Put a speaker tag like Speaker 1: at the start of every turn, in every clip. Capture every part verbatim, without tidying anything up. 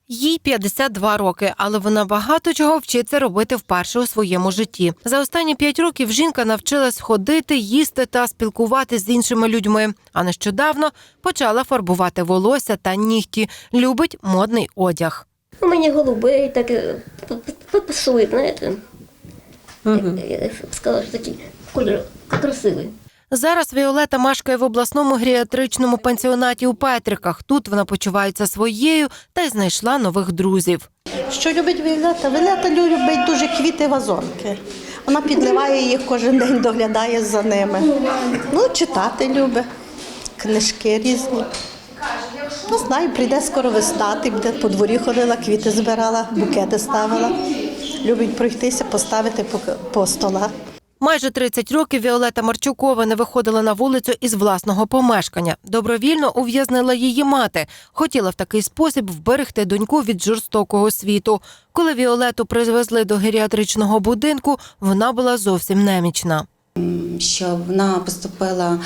Speaker 1: Їй п'ятдесят два роки, але вона багато чого вчиться робити вперше у своєму житті. За останні п'ять років жінка навчилась ходити, їсти та спілкуватися з іншими людьми. А нещодавно почала фарбувати волосся та нігті. Любить модний одяг.
Speaker 2: У мене голубий, так пасує, знаєте. Угу. Я, я сказала, що такий кольор красивий.
Speaker 1: Зараз Віолета мешкає в обласному геріатричному пансіонаті у Петриках. Тут вона почувається своєю та й знайшла нових друзів.
Speaker 3: Що любить Віолета? Віолета любить дуже квіти, вазонки. Вона підливає їх кожен день, доглядає за ними. Ну, читати любить, книжки різні. Не знаю, прийде скоро весна, ти буде по дворі ходила, квіти збирала, букети ставила. Любить пройтися, поставити по, по столах.
Speaker 1: Майже тридцять років Віолета Марчукова не виходила на вулицю із власного помешкання. Добровільно ув'язнила її мати. Хотіла в такий спосіб вберегти доньку від жорстокого світу. Коли Віолету привезли до геріатричного будинку, вона була зовсім немічна.
Speaker 4: Що вона поступила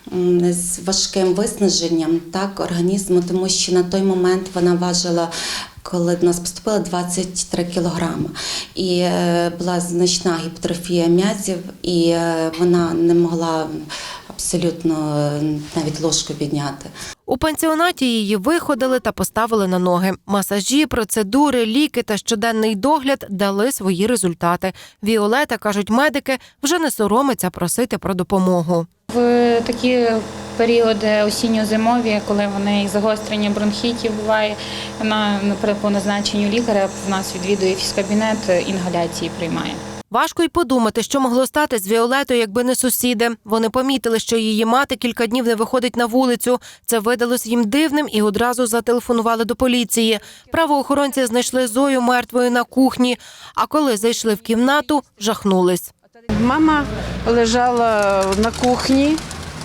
Speaker 4: з важким виснаженням так, організму, тому що на той момент вона важила, коли до нас поступила, двадцять три кілограми. І була значна гіпертрофія м'язів, і вона не могла абсолютно навіть ложку підняти.
Speaker 1: У пансіонаті її виходили та поставили на ноги. Масажі, процедури, ліки та щоденний догляд дали свої результати. Віолета, кажуть медики, вже не соромиться просити про допомогу.
Speaker 5: В такі періоди осінньо-зимові, коли в неї загострення бронхітів буває, вона по назначенню лікаря в нас відвідує фізкабінет, інгаляції приймає.
Speaker 1: Важко й подумати, що могло стати з Віолетою, якби не сусіди. Вони помітили, що її мати кілька днів не виходить на вулицю. Це видалось їм дивним і одразу зателефонували до поліції. Правоохоронці знайшли Зою мертвою на кухні, а коли зайшли в кімнату, жахнулись.
Speaker 6: Мама лежала на кухні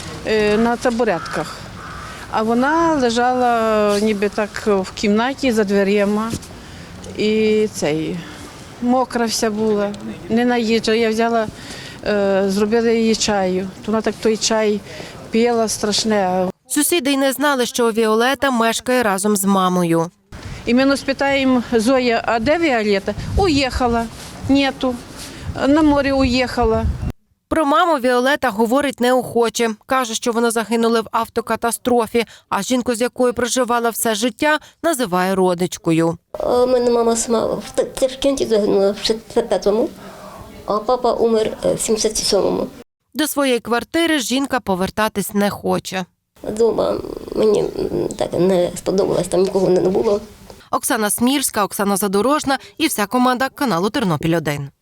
Speaker 6: на табуретках, а вона лежала ніби так в кімнаті за дверима і цей... Мокра вся була, не наїджа. Я взяла, е, зробила її чаю. Вона так той чай пила страшне.
Speaker 1: Сусіди й не знали, що Віолета мешкає разом з мамою.
Speaker 6: І ми нас питаємо: Зоя, а де Віолета? Уїхала. Нету. На море уїхала.
Speaker 1: Про маму Віолета говорить неохоче. Каже, що вона загинула в автокатастрофі, а жінку, з якою проживала все життя, називає родичкою.
Speaker 2: У мене мама сама в Ташкенті загинула в шістдесят п'ятому, а папа умер в сімдесят сьомому.
Speaker 1: До своєї квартири жінка повертатись не хоче.
Speaker 2: Дома мені так не сподобалось, там нікого не було.
Speaker 1: Оксана Смірська, Оксана Задорожна і вся команда каналу Тернопіль один.